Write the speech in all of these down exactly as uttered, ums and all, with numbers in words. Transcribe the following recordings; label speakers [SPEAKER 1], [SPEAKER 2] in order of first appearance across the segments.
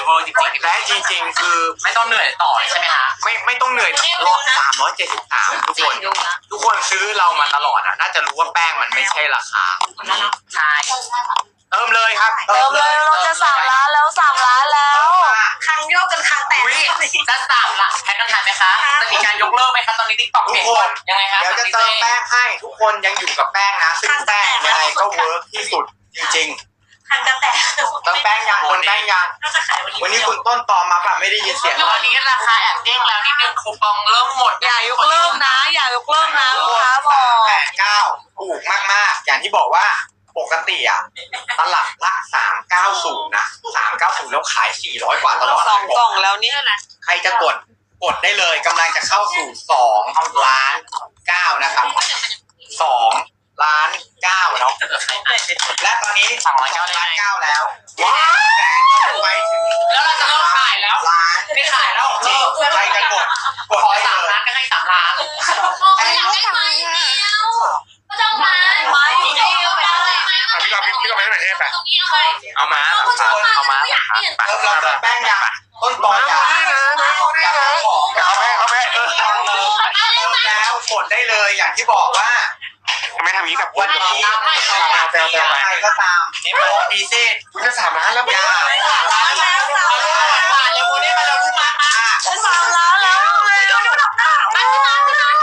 [SPEAKER 1] เวอร์จริงๆและจริงๆคือไม่ต้องเหนื่อยต่อใช่ไหมฮะไม่ไม่ต้องเหนื่อยรอบสามร้อยเจ็ดสิบสามทุกคนทุกคนซื้อเรามาตลอดอ่ะน่าจะรู้ว่าแป้งมันไม่ใช่ราคาใช่เติมเลยครับ
[SPEAKER 2] เติมเลยเราจะสามล้านแล้วสามล้านแล้ว
[SPEAKER 3] คังโยกกันคังแตก
[SPEAKER 1] จะสามละแพ็คกันทันไหมคะจะมีการยกเลิกไหมคะตอนนี้ติ๊กต็อกเปลี่ยนคนยังไงคะ
[SPEAKER 4] เดี๋ยวจะเติมแป้งให้ทุกคนยังอยู่กับแป้งนะซึ่งแป้งยังไงก็เวิร์กที่สุดจริง
[SPEAKER 3] ๆคังกันแตก
[SPEAKER 4] เติมแป้งยังคนแป้งยังวันนี้คุณต้นตอมาแบบไม่ได้ยินเสียง
[SPEAKER 1] ตอนนี้ราคาแอบเด้งแล้วนิดนึงคูปองเริ่มหมด
[SPEAKER 2] อย่ายกเลิกนะอย่ายกเลิกนะลูกค้าบอก
[SPEAKER 4] แปดเก้าถูกมากๆอย่างที่บอกว่าปกติอ่ะตลับละสามเก้าศูนย์นะสามเก้าศูนย์แล้วขายสี่ร้อยกว่าตลอด
[SPEAKER 2] สองกล่องแล้วนี่แหละ
[SPEAKER 4] ใครจะกดกดได้เลยกำลังจะเข้าสู่สองล้านเก้านะครับสองล้านเก้าเนาะและตอนนี้สองล้านเก้าล้านเก้าแล้วว้าวแสนไปถึง
[SPEAKER 1] แล้วเราจะเริ่มขายแล้ว
[SPEAKER 4] ล้าน
[SPEAKER 1] ไม่ขายแล้ว
[SPEAKER 4] จริงใครจะกดกด
[SPEAKER 1] ขอสามล้านก็ให้สามล้าน
[SPEAKER 3] อยากได้ไหมแล้วก็ต้องมาไม่
[SPEAKER 5] พี่ก็พี่ก็ไม่ได้ไหนใช่ไหมเอามาเอามา
[SPEAKER 4] เริ่มเราแป้งยาต้นตอนยาอยากของ
[SPEAKER 5] เอาแม่เอาแม่เออ
[SPEAKER 4] แล้วกดได้เลยอย่างที่บอกว่า
[SPEAKER 5] ไม่ทำนี้กับ
[SPEAKER 4] วันนี้ใครก็ตามนี่โปรดีเซ่
[SPEAKER 5] คุณจะสามล้านแล้ว
[SPEAKER 4] ยา
[SPEAKER 2] สามล้านแล้วสามล้าน
[SPEAKER 1] มาเร็วนี้มาเร็วลูกมา
[SPEAKER 2] สามล้านแล้วเร็ว
[SPEAKER 3] มาขึ้นมาขึ้นมา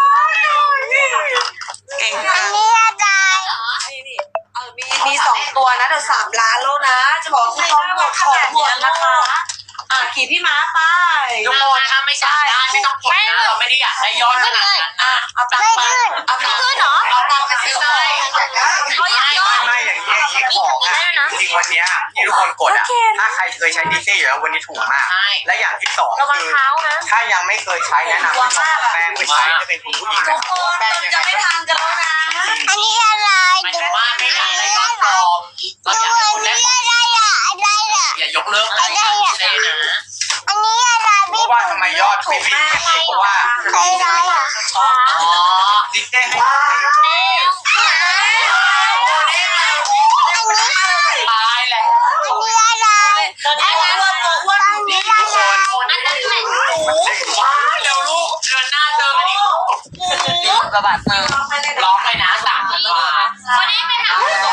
[SPEAKER 2] เก่งอันนี้อะไรเออมีมีสองตัวนะเดี๋ยวสามล้านแล้วนะจะบอกให้ต้องหมดของหมดนะคะอ่ะขี่พี่ม้าไป
[SPEAKER 1] ทุกคนถ้าไม่ใช่ไม่ต้องกดนะเราไม่ได้อยากได้ยอดขนาดนั้นนะ
[SPEAKER 2] เอาตังค์ไป
[SPEAKER 3] เอาตังค์ขึ้นเหรอ
[SPEAKER 1] เอาตังค์ไปซื้อได้
[SPEAKER 3] เขาอยากยอด
[SPEAKER 4] ไม่อย่างเงี้ยของจริงวันนี้ที่ทุกคนกดอ่ะถ้าใครเคยใช้ดีเซ่อยู่แล้ววันนี้ถูกมากและอย่างที่สองคือถ้ายังไม่เคยใช้แนะนำให้แป้งไปใช้จะเป็นคุณผู้หญิง
[SPEAKER 2] ทุกคนจะไม่ทันกันแล้วนะ
[SPEAKER 3] อันนี้อะไร
[SPEAKER 1] หมายถึงว่าไม่อยากได้ยอดปลอมเราอยากให้คนได้อย่ายกเลิกอะไรนะ
[SPEAKER 3] อันนี้อะไร
[SPEAKER 4] เพราะว่าทำไมยอดไม่วิ่งเพราะว่า
[SPEAKER 3] อะไรอ่ะ
[SPEAKER 1] อ๋อ
[SPEAKER 4] ดีเซ่ให้
[SPEAKER 1] ตายแหละ
[SPEAKER 3] อันนี้อะไร
[SPEAKER 2] อันนี้อ้วนตัวอ้วนอยู่นี่
[SPEAKER 4] ทุกคน
[SPEAKER 3] อันนั้นแหละ
[SPEAKER 1] เร็วลูกเดือนหน้าเจอกันอีกกระบาดเติมร้องเลยนะสามพันบาท
[SPEAKER 3] วันนี้ไปทำ
[SPEAKER 1] วัน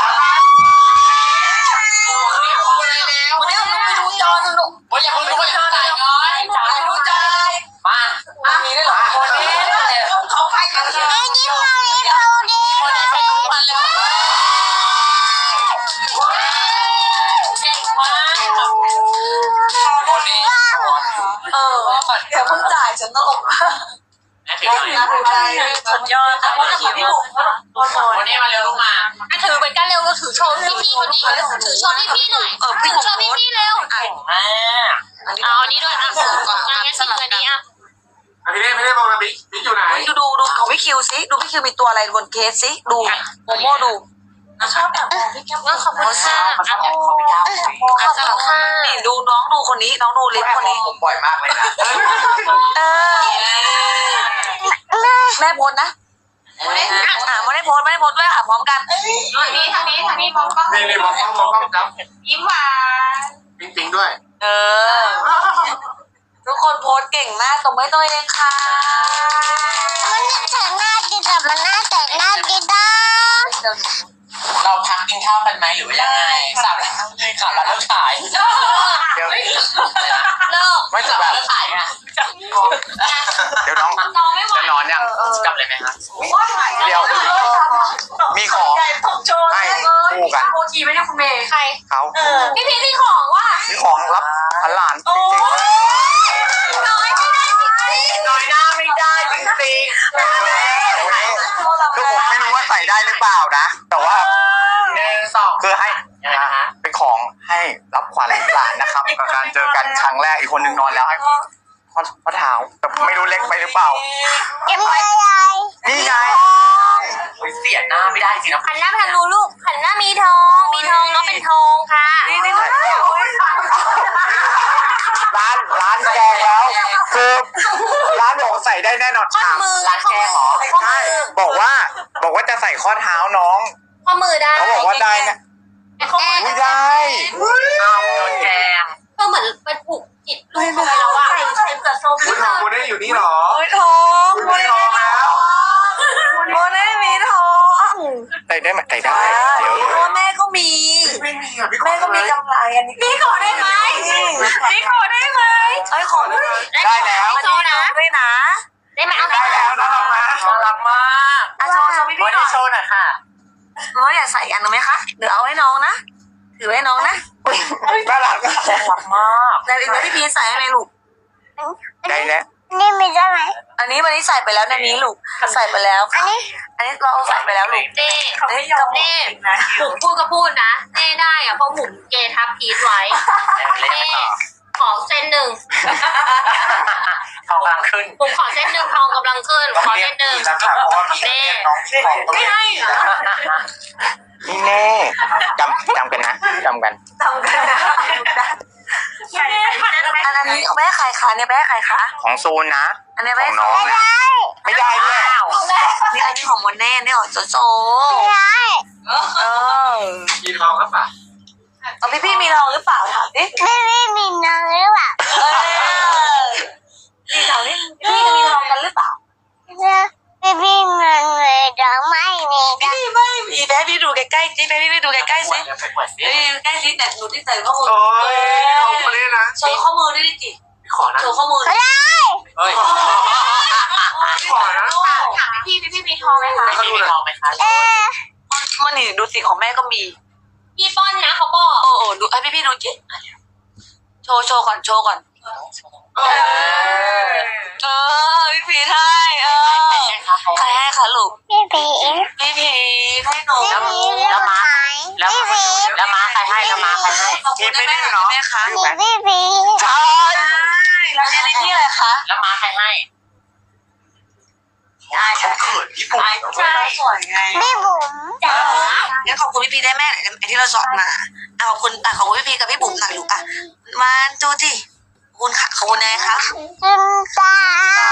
[SPEAKER 1] นี้เราไปดูจอหนึ่งลูกวันยังไม่รู้ว่าจะจ่ายเงินจ่ายรู้ใจมาอันนี้ได้หรอคนนี้เขาใครกันเลย
[SPEAKER 3] ไอ้นี่มาเลยเขาดิ
[SPEAKER 1] คนนี้ใช้ทุกวันแล้วเก่งมากคนนี้
[SPEAKER 2] เออเดี๋ยวเพิ่งจ่ายฉันตลก
[SPEAKER 1] ถือหน่อย
[SPEAKER 2] ถือใจสุดยอดแต่ว่าพี่บุ๋ม
[SPEAKER 1] วันนี้มาเร็วลูกมา
[SPEAKER 3] ถือเป็นการเร็วก็ถือโชว์พี่พี่คนนี้ถือโชว์พี่พี่หน่อย
[SPEAKER 2] เออพี่
[SPEAKER 3] โชว์พี่พี่เร็ว
[SPEAKER 1] เก่งมาก
[SPEAKER 3] เอาอันนี้ด้วยอ่ะงั้นสลับอันนี้อ่ะ
[SPEAKER 5] พี่เล่พี่เล่บอกนะบิ๊กบิ๊กอยู่ไหน
[SPEAKER 2] ดูดูดูของพี่คิวซิดูพี่คิวมีตัวอะไรบนเคสซิดูโมโม่ดูชอบแบบพี่แก้ว
[SPEAKER 3] ขอบคุณค่ะ
[SPEAKER 1] ขอบคุณค่ะ
[SPEAKER 3] ขอบคุณค่ะ
[SPEAKER 2] นี่ดูน้องดูคนนี้น้องดูลิฟคนนี้
[SPEAKER 4] ผมบ่อยมากเลยนะ
[SPEAKER 2] เออแม่โพสนะอ่าไม่ได้โพสไม่ได้โพสด้วยค่ะพร้อมกัน
[SPEAKER 3] ทางนี้ทางนี้ทางนี้มองกล้อง
[SPEAKER 5] นี่นี่มองกล้องมองกล้องครับ
[SPEAKER 3] ยิ้มหวาน
[SPEAKER 5] จริงๆด้วย
[SPEAKER 2] เออทุกคนโพสเก่งมากตบมือตัวเองค่ะ
[SPEAKER 3] มันแต่งหน้าดีแต่มันหน้าแต่งหน้าดีด้า
[SPEAKER 1] เราพักกินข้าวกันไหมหรือว่ายังไงสามแล้วข่าวเราเลิกขาย
[SPEAKER 4] เดี๋ยว
[SPEAKER 3] เลิก
[SPEAKER 4] ไม่จะแบบ
[SPEAKER 1] เลิกขายนะ
[SPEAKER 4] เดี๋ยวน้องจะนอนยัง
[SPEAKER 1] กลับเลยไหมครับ
[SPEAKER 4] เดี๋ยวมีของให้คู่กัน
[SPEAKER 2] โอทีไม่ได้คุณเมย์
[SPEAKER 3] ใคร
[SPEAKER 4] เขา
[SPEAKER 3] พี่พีมีของว่ะ
[SPEAKER 4] มีของรับหลานจริง
[SPEAKER 3] ๆน้อยไม่ได้จริงๆ
[SPEAKER 1] น้อยหน้าไม่ได้จริงๆ
[SPEAKER 4] คือผมไม่รู้ว่าใส่ได้หรือเปล่านะแต่ว่า
[SPEAKER 1] หนึ่งสอง
[SPEAKER 4] คือให้เป็นของให้รับขวัญหลานนะครับกับการเจอกันครั้งแรกอีกคนนึงนอนแล้วให้ข้อเท้าแต่ไม่รู้เล็กไปหรือเปล่า
[SPEAKER 3] ยังไง
[SPEAKER 4] นี่ไง
[SPEAKER 1] เสียหน้าไม่ได้จริงนะ
[SPEAKER 3] หันหน้าไปทางดูลูกหันหน้ามีทองมีทองน้องเป็นทองค่ะ
[SPEAKER 2] นี่นี่
[SPEAKER 4] ร้านร้านแกงแล้วคือร้านบอกใส่ได้แน่นอน
[SPEAKER 3] ข้อมือ
[SPEAKER 4] ร้านแกงเหรอใช่บอกว่าบอกว่าจะใส่ข้อเท้าน้อง
[SPEAKER 3] ข้อมือได้
[SPEAKER 4] เขาบอกว่าได้นะ
[SPEAKER 3] ข้อมือ
[SPEAKER 4] ไม่ได้
[SPEAKER 1] เอาโดนแกง
[SPEAKER 3] ก็เหมือนไป
[SPEAKER 2] ให้ของ
[SPEAKER 1] ได้แล้ว
[SPEAKER 2] วันนี้นะด้วยนะ
[SPEAKER 3] ได้ไหมเอา
[SPEAKER 1] ได้แล้วน่ารักมากน่ารักมาก
[SPEAKER 2] อ่ะโชว์โชว์พี่
[SPEAKER 1] วั
[SPEAKER 2] พี่
[SPEAKER 1] น
[SPEAKER 2] หน่
[SPEAKER 1] นี้
[SPEAKER 2] อย
[SPEAKER 1] โชว์หน่อยค่ะ
[SPEAKER 2] น้องอยากใส่อันนึงไหมคะเดี๋ยวเอาให้น้องนะถือให้น้องนะ
[SPEAKER 1] น่ารักน่ารักมาก
[SPEAKER 2] แต่อีกแล้วพี่พีชใส่ให้ไหมลูก
[SPEAKER 1] ได้แล้ว
[SPEAKER 3] นี่มีได้ไหม
[SPEAKER 2] อันนี้วันนี้ใส่ไปแล้วในนี้ลูกใส่ไปแล้ว
[SPEAKER 3] อันนี้
[SPEAKER 2] อันนี้เราเอาใส่ไปแล้วลูก
[SPEAKER 6] เน่
[SPEAKER 2] เฮ้ยเรา
[SPEAKER 6] เน่บุ๋มพูดก็พูดนะเน่ได้อะเพราะบุ๋มเกทับพีทไว้
[SPEAKER 1] เล่น
[SPEAKER 6] เน่
[SPEAKER 1] ต่อ
[SPEAKER 6] ขอเส้นหนึ่ง
[SPEAKER 1] ทองกลางขึ้น
[SPEAKER 6] บุ๋มขอเส้นหนึ่งทองกำลังขึ้นขอเส้นหนึ่ง
[SPEAKER 4] นะครับเพราะว่าพี่เรียกน้องของตัว
[SPEAKER 6] ไม่
[SPEAKER 4] เอง
[SPEAKER 6] ให้เหรอ
[SPEAKER 1] นี่แน่จำจำกันนะจำกัน
[SPEAKER 2] ทำกันนะอันอันนี้เอาไปให้ใครคะเนี่ยไปให้ใครคะ
[SPEAKER 1] ของโซนนะ
[SPEAKER 2] อันนี้ไป
[SPEAKER 1] ของ
[SPEAKER 2] ให้
[SPEAKER 1] น้องนะไม่ได้ด้วย
[SPEAKER 2] นี่อันนี้ของโมเน่นี่ของโจโจ
[SPEAKER 3] ไม่ได้
[SPEAKER 2] เออ
[SPEAKER 5] มีทองครับป่ะ
[SPEAKER 2] เอาพี่พี่มีทองหรือเปล่าถามดิ
[SPEAKER 3] ไม่ไม่มีน้องหรือเปล่า
[SPEAKER 2] เออพี่ถามดิพี่จะมีทองกันหรือเปล่า
[SPEAKER 3] ไม่มีเงินเลยดอกไม้มี
[SPEAKER 2] พี่ไม่มีแม่พี่ดูใกล้ๆสิแม่พี่ไปดูใกล้ๆสิ
[SPEAKER 1] ไปปวดสิ
[SPEAKER 2] เฮ้ยใกล้สิแต่หนูที่ใส่ข้อมือ
[SPEAKER 5] โอ้ยทองมาเลยนะ
[SPEAKER 2] โชว์ข้อมือด้วยดิจิ
[SPEAKER 5] ขอนะ
[SPEAKER 2] โชว์ข้อมือ
[SPEAKER 3] ก็ได้
[SPEAKER 1] เฮ้ย
[SPEAKER 5] ขอนะ
[SPEAKER 6] ถามพี่พี่พี่มีทองไหมคะ
[SPEAKER 1] มีทองไหมคะ
[SPEAKER 3] เออ
[SPEAKER 2] มันนี่ดูสิของแม่ก็มี
[SPEAKER 6] พี่ป้อนนะเขาบอก
[SPEAKER 2] โอ้โหดูไอ้พี่พี่ดูจิโชว์โชว์ก่อนโชว์ก่อน
[SPEAKER 5] เออ
[SPEAKER 2] เออพี่พีให้เออใครให้คะลูก
[SPEAKER 3] พี่ผี
[SPEAKER 2] พี่พีให้หนู
[SPEAKER 3] พี่
[SPEAKER 2] แล้ว
[SPEAKER 3] ผีเรื่องไหม
[SPEAKER 1] แล้ว
[SPEAKER 3] พี่ผี
[SPEAKER 1] แล้วม้าใครให้แล้วม้าใครให้
[SPEAKER 2] ขอบคุณแม่แม่เนาะแม่คะ
[SPEAKER 3] มีพี่ผี
[SPEAKER 1] ใช่
[SPEAKER 2] แล้วเนี่ยนี่ที่อะไรคะ
[SPEAKER 1] แล้วม้าใครให้
[SPEAKER 5] เขาเขินญี่ปุ่น
[SPEAKER 2] ใช่สวยไง
[SPEAKER 3] พี่บุ๋มจ๋า
[SPEAKER 2] งั้นขอบคุณพี่พีได้แม่ไอ้ที่เราสอนมาอ่ะขอบคุณอ่ะขอบคุณพี่พีกับพี่บุ๋มหน่อยลูกอ่ะมาจูจิขอบคุณค่ะขอบคุณนายคะ
[SPEAKER 3] จินตา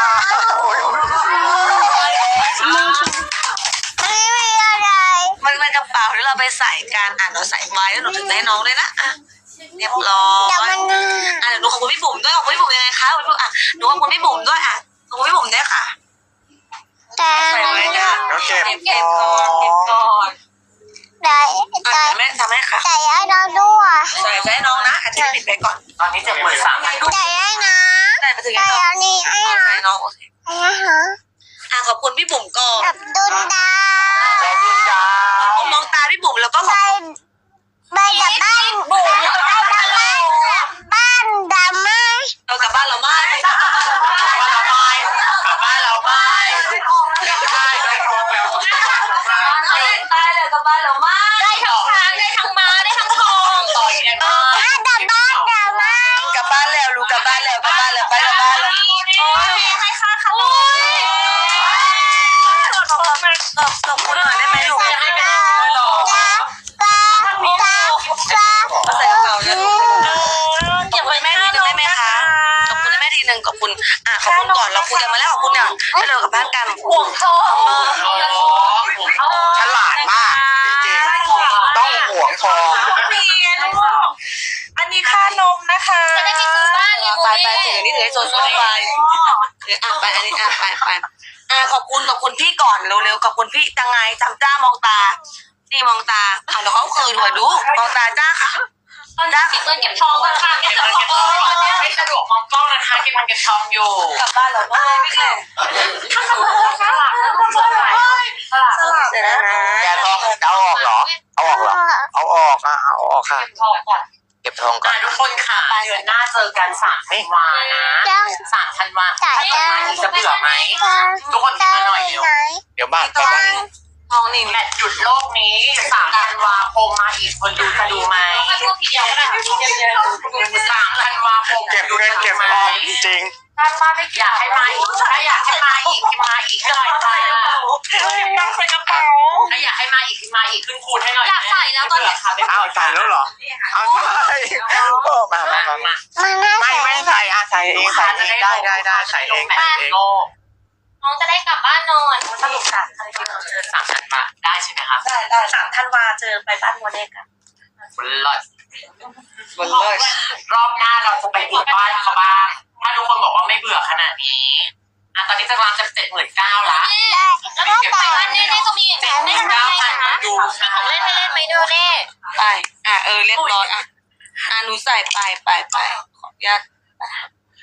[SPEAKER 3] ไม่มีอะไร
[SPEAKER 2] มันเป็นกระเป๋าที่เราไปใส่กันอ่ะเราใส่ไว้แล้วหนูถึงให้น้องเลยนะอ่ะเรียบร้อย
[SPEAKER 3] เดี๋ยวมันน่า
[SPEAKER 2] อ่ะเดี๋ยวหนูขอบคุณพี่บุ๋มด้วยขอบคุณพี่บุ๋มยังไงคะขอบคุณอ่ะหนูขอบคุณพี่บุ๋มด้วยอ่ะขอบคุณพี่บุ๋มด้วยค่ะ
[SPEAKER 3] แต่
[SPEAKER 2] ใส่ไว้จ้ะ
[SPEAKER 4] แล้วเก็บ
[SPEAKER 2] เก็บก่อนเก็บก่อน
[SPEAKER 3] แต่
[SPEAKER 2] อ่ะ
[SPEAKER 3] แต่
[SPEAKER 2] ทำให้ทำให้ค่ะ
[SPEAKER 3] แต่ให้เราด้วย
[SPEAKER 2] ใส่ให้น้องนะอาจจะปิดไปก่อน
[SPEAKER 1] ตอนนี้เจ็ดหมื่นสาม
[SPEAKER 3] แต่ให้นะ
[SPEAKER 2] ใส่ไปถึง
[SPEAKER 3] แต่
[SPEAKER 2] ให้น้อง
[SPEAKER 3] อันนี้ให้
[SPEAKER 2] เอา
[SPEAKER 3] นะ
[SPEAKER 2] ใส่น้องโอเค
[SPEAKER 3] ให้ฮะ
[SPEAKER 2] อ่ะขอบคุณพี่บุ๋มก่อน
[SPEAKER 3] กับดุนดา
[SPEAKER 1] ใจดินดา
[SPEAKER 2] ผมมองตาพี่บุ๋มแล้วก็ข
[SPEAKER 3] ไป
[SPEAKER 2] อบคุณ
[SPEAKER 3] ไปกับบ้านบุ๋มไปกับบ้านบ้านดำไหม
[SPEAKER 2] เออกลับบ้านเราไม่
[SPEAKER 1] กลับบ้านเราไม่กลับบ้านเราไม่ใช่ได้ทองแล้ว
[SPEAKER 2] ตายเลยกลับบ้านเราไม่
[SPEAKER 6] ได้ทั้งช้างได้ทั้งม้าได้ทั้งทอง
[SPEAKER 1] ต่ออีกเนี่ย
[SPEAKER 3] ถ้ากับบ้านดำไหม
[SPEAKER 2] กลับบ้านแล้วลูกกลับบ้านแล้วกลับบ้านแล้วไปกลับบ้านแล้ว
[SPEAKER 6] โอ้ยให้ค่าขนม
[SPEAKER 2] ขอบคุณขอบคุณหน่อยได้ไหมลูก
[SPEAKER 3] จ้าจ้าจ้าจ้า
[SPEAKER 2] เอาใส่กระเป๋านะลูกเก็บไว้แม่ทีหนึ่งได้ไหมคะขอบคุณแม่ทีหนึ่งขอบคุณอ่ะขอบคุณก่อนเราคุยกันมาแล้วขอบคุณเนี่ยให้เรากลับบ้านกัน
[SPEAKER 6] ห่วงทอง
[SPEAKER 1] ฉลาดมากจริงๆต้องห่วงทอง
[SPEAKER 2] อันนี้ค่านมนะคะ
[SPEAKER 6] จะได้ไปซื้อบ้านเลย
[SPEAKER 2] ไปไปถือนี่ถือให้โซโซ่ไปถืออ่ะไปอันนี้อ่ะไปไปอ่ะขอบคุณขอบคุณพี่ก่อนเร็วๆขอบคุณพี่จังไงจำจ้ามองตานี่มองตาอ่ะเดี๋ยวเขาคืนหัวดูมองตาจ้าค่ะ
[SPEAKER 6] ตอนนี้เก็บเงินเก็บทองกันค่ะเก็บเงินเก็บทอง
[SPEAKER 1] ไม่สะดวกมองกล้องนะคะเก็บมันเก็บทองอยู่
[SPEAKER 2] กลับบ้านเราไม่ไม่แค่
[SPEAKER 6] สลัดสลัด
[SPEAKER 2] สลับเลยนะ
[SPEAKER 1] แกทองเอาออกเหรอ เอาออกเหรอ เอาออกอ่ะเอาออกค่ะ
[SPEAKER 6] ทองก่อน
[SPEAKER 1] เก็บทองก่อนทุกคนค่ะเดือนหน้าเจอกันสามธันวานะ
[SPEAKER 3] จ้า
[SPEAKER 1] สามธันวา
[SPEAKER 3] จ้าจ้า
[SPEAKER 1] จะเบื่อไหม ทุกคนคิดมาหน่อยเร็ว เดี๋ยวบ้านไปบ้าน
[SPEAKER 2] ทองนี่
[SPEAKER 1] แมตช์หยุดโลกนี้สามธันวาคมมาอีกคนดูจะดูไหม
[SPEAKER 6] ถ้าพวกพี่เดียวนะ
[SPEAKER 1] สามธันวาคม
[SPEAKER 5] เก็บเงินเก็บทองจริง
[SPEAKER 1] ถ้ามาไม่อยากให้มาอีกถ้าอยากให้มาอีกให้มาอีกหน่อยค่ะ
[SPEAKER 2] ต้องใส่กระเป๋า
[SPEAKER 1] ถ้าอยากให้มาอีกให้มาอีกขึ้นคูณให้หน่อย
[SPEAKER 6] อยากใส่แล้วตอนนี้
[SPEAKER 5] อ้าวจ่ายแล้วเหรออ้าวใช่มามามามา
[SPEAKER 3] มันน่า
[SPEAKER 5] ไม่
[SPEAKER 3] ใส่
[SPEAKER 5] ไม่ใส่อ่ะใส่เองใส่เองได้ได้ได้ใส่เองใส่เอง
[SPEAKER 1] โลก
[SPEAKER 6] น้องจะได้กลับบ้านนอน
[SPEAKER 1] สรุปกันอะไรที่เราเจอสามธันวาได้ใช่ไหมคะ
[SPEAKER 2] ได้ได้สามธันวาเจอไปบ้านโมเดกัน
[SPEAKER 1] บนรถ
[SPEAKER 2] บนเลย
[SPEAKER 1] รอบหน้าเราจะไปบุกบ้านเขาบ้าง ถ้าทุกคนบอกว่าไม่เบื่อขนาดนี้อ่ะตอนนี้จะกำลังจะเจ็ดหมื่นเก้าละ
[SPEAKER 6] แล้วก็แต่บ้านนี่นี่ก็มี
[SPEAKER 1] เจ็ดห
[SPEAKER 6] ได้
[SPEAKER 1] มื่น
[SPEAKER 6] ได้
[SPEAKER 1] เก้าพัน
[SPEAKER 6] นะ
[SPEAKER 1] ดู
[SPEAKER 6] ของเล่นให้เล่นไหมเด้อเน่
[SPEAKER 2] ไปอ่ะเออเรียบร้อยอ่ะอ่ะหนูใส่ไปไปไปขออนุญาตอ่ะ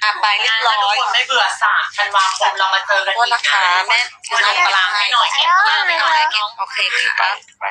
[SPEAKER 2] อ่ะไปเรียบร้อย
[SPEAKER 1] คนไม่เบื่อสามธันวาคมเรามาเจอกัน
[SPEAKER 2] โท
[SPEAKER 1] อี
[SPEAKER 2] ษ
[SPEAKER 1] ก
[SPEAKER 2] นะคะ
[SPEAKER 1] นะ
[SPEAKER 2] แม่
[SPEAKER 1] คุณลงตารางให้หน่อยแอบตารางให้หน่อย
[SPEAKER 2] โอเคค่ะ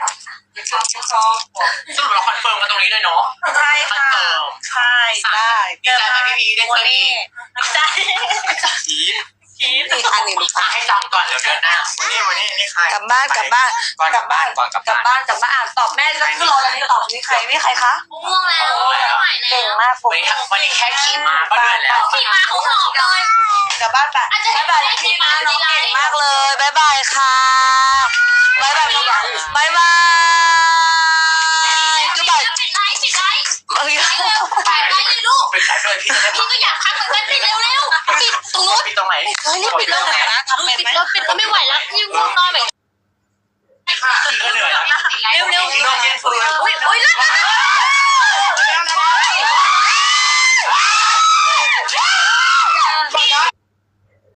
[SPEAKER 1] สรุปเราคอนเฟิร์มกันตรงนี้เลยเนาะ
[SPEAKER 2] ใช่
[SPEAKER 1] คอน
[SPEAKER 2] ค่ะ
[SPEAKER 1] เฟิร์ม
[SPEAKER 2] ใช่ได้
[SPEAKER 1] ดีใจไหมพี่พีได้เจออีก
[SPEAKER 2] ได้
[SPEAKER 1] พีท
[SPEAKER 2] อีกอันหนึ่ง
[SPEAKER 1] อ่ะให้จองก่อนเดี๋ยวเดือนหน้า
[SPEAKER 4] วันนี้วันนี้นี่ใคร
[SPEAKER 2] กลับบ้านกลับบ้าน
[SPEAKER 4] ก่อนกลับบ้านก่อนกลับ
[SPEAKER 2] กลับ
[SPEAKER 4] บ้าน
[SPEAKER 2] บ้านกลับบ้านอ่ะตอบแม่จะขึ้นรอแล้วนี่ตอบนี่ใครนี่ใครคะ
[SPEAKER 6] ง่วงแล้วไม่ไหวแล้
[SPEAKER 2] เก่ง
[SPEAKER 6] ว
[SPEAKER 2] มาก
[SPEAKER 1] วันนี้วันนี้แค่ขี่มาก็เหนื่อยแล้ว
[SPEAKER 6] ขี่มาเขาหอบเลย
[SPEAKER 2] กลับบ้านไปบ๊ายบายพี่มาน้องเก่งมากเลยบ๊ายบายค่ะบ๊ายบายบ๊ายบายบ๊ายบายก็บาย
[SPEAKER 6] ปิดไลฟ์ปิดไลฟ์
[SPEAKER 2] เอ้ย
[SPEAKER 6] เร็วปิดไลฟ์เลยลูก
[SPEAKER 1] เป็นสายเลยพี่จะได้
[SPEAKER 6] พี่ก็อยากพักเหมือนกันปิดเร็วเร็วปิดตรงนู้น
[SPEAKER 1] พี่ตรงไหน
[SPEAKER 2] เฮ้ยนี่ปิดแล้วไหนนะทำเป็น
[SPEAKER 6] ปิด
[SPEAKER 2] ไหม
[SPEAKER 6] แล้วปิดก็ไม่ไหวแล้วยิ่งง่วงนอนแบบ
[SPEAKER 1] พี่ก็เหนื่อย